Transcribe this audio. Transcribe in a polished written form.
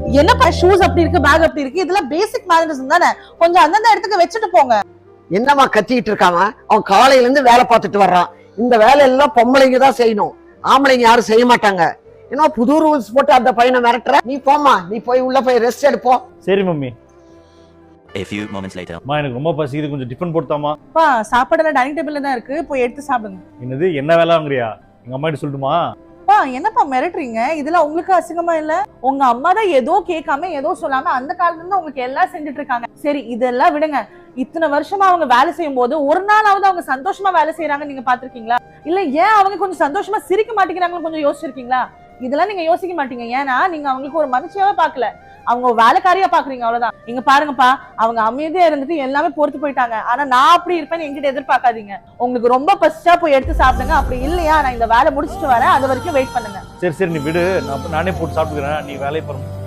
என்னப்பா ஷூஸ் அப்படி இருக்கு, பேக் அப்படி இருக்கு, இதெல்லாம் பேசிக் மேனரிசம் தானே, கொஞ்சம் அந்தந்த இடத்துக்கு வச்சுட்டு போங்க. என்னமா கத்திட்டு இருக்காங்க? அவன் காலையில இருந்து வேலை பார்த்துட்டு வர்றான். இந்த வேலை எல்லாம் பொம்பளைங்க தான் செய்யணும், ஆம்பளைங்க யாரும் செய்ய மாட்டாங்க. ஏன்னா புது ரூல்ஸ் போட்டு அந்த பையனை மிரட்டுற. நீ போமா, நீ போய் உள்ள போய் ரெஸ்ட் எடுப்போம். சரி mummy. A few moments later. அம்மா எனக்கு ரொம்ப பசிக்குது, கொஞ்சம் டிஃபன் போட்டாமா. பா சாப்பாடெல்லாம் டைனிங் டேபிள்ல தான் இருக்கு, போய் எடுத்து சாப்பிடுங்க. என்னது என்ன வேலை வாங்குறியா? எங்க அம்மா கிட்ட சொல்லட்டுமா? பா என்னப்பா மிரட்டுறீங்க? இதெல்லாம் உங்களுக்கு அசிங்கமா இல்ல? உங்க அம்மா தான் ஏதோ கேட்காம ஏதோ சொல்லாம அந்த காலத்துல இருந்து உங்களுக்கு எல்லாம் செஞ்சுட்டு இருக்காங்க. சரி இதெல்லாம் விடுங்க. இத்தனை வருஷமா அவங்க வேலை செய்யும் போது ஒரு நாளாவது அவங்க சந்தோஷமா வேலை செய்யறாங்க நீங்க பாத்திருக்கீங்களா? இல்ல ஏன் அவங்க கொஞ்சம் சந்தோஷமா சிரிக்க மாட்டேங்கிறாங்கன்னு கொஞ்சம் யோசிச்சிருக்கீங்களா? இதெல்லாம் நீங்க யோசிக்க மாட்டீங்க. ஏன்னா நீங்க அவங்களுக்கு ஒரு மனுஷியாவே பாக்கல, அவங்க வேலைக்காரியா பாக்குறீங்க, அவ்வளவுதான். இங்க பாருங்கப்பா, அவங்க அமைதியா இருந்துட்டு எல்லாமே பொறுத்து போயிட்டாங்க. ஆனா நான் அப்படி இருப்பேன்னு என்கிட்ட எதிர்பார்க்காதீங்க. உங்களுக்கு ரொம்ப பசிச்சா போய் எடுத்து சாப்பிடுங்க, அப்படி இல்லையா நான் இந்த வேலை முடிச்சுட்டு வரேன், அது வரைக்கும் வெயிட் பண்ணுங்க. சரி சரி நீ விடு, நானே போட்டு சாப்பிட்டுக்கிறேன், நீ வேலையை பாருங்க.